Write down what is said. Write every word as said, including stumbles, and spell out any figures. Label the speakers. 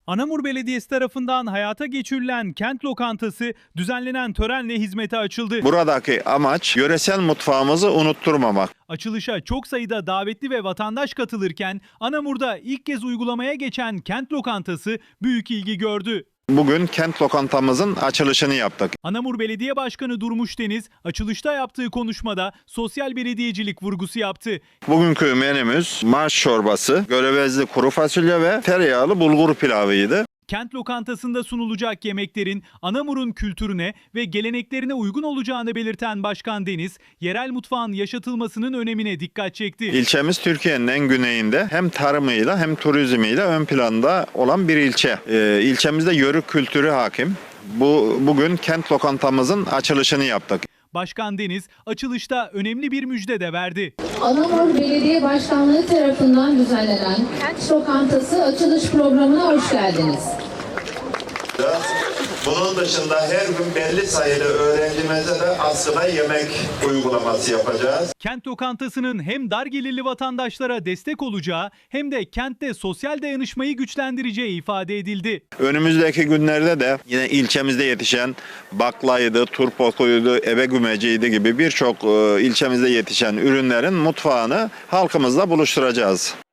Speaker 1: Anamur Belediyesi tarafından hayata geçirilen kent lokantası düzenlenen törenle hizmete açıldı.
Speaker 2: Buradaki amaç yöresel mutfağımızı unutturmamak.
Speaker 1: Açılışa çok sayıda davetli ve vatandaş katılırken Anamur'da ilk kez uygulamaya geçen kent lokantası büyük ilgi gördü.
Speaker 2: Bugün kent lokantamızın açılışını yaptık.
Speaker 1: Anamur Belediye Başkanı Durmuş Deniz açılışta yaptığı konuşmada sosyal belediyecilik vurgusu yaptı.
Speaker 2: Bugünkü menümüz marş çorbası, görevezli kuru fasulye ve tereyağlı bulgur pilavıydı.
Speaker 1: Kent lokantasında sunulacak yemeklerin Anamur'un kültürüne ve geleneklerine uygun olacağını belirten Başkan Deniz, yerel mutfağın yaşatılmasının önemine dikkat çekti.
Speaker 2: İlçemiz Türkiye'nin en güneyinde hem tarımıyla hem turizmiyle ön planda olan bir ilçe. Ee, ilçemizde yörük kültürü hakim. Bu bugün kent lokantamızın açılışını yaptık.
Speaker 1: Başkan Deniz açılışta önemli bir müjde de verdi.
Speaker 3: Anamur Belediye Başkanlığı tarafından düzenlenen Kent Lokantası açılış programına hoş geldiniz.
Speaker 2: Bunun dışında her gün belli sayıda öğrencimize de aslında yemek uygulaması yapacağız.
Speaker 1: Kent lokantasının hem dar gelirli vatandaşlara destek olacağı hem de kentte sosyal dayanışmayı güçlendireceği ifade edildi.
Speaker 2: Önümüzdeki günlerde de yine ilçemizde yetişen baklaydı, turpokuydu, ebe gümeciydi gibi birçok ilçemizde yetişen ürünlerin mutfağını halkımızla buluşturacağız.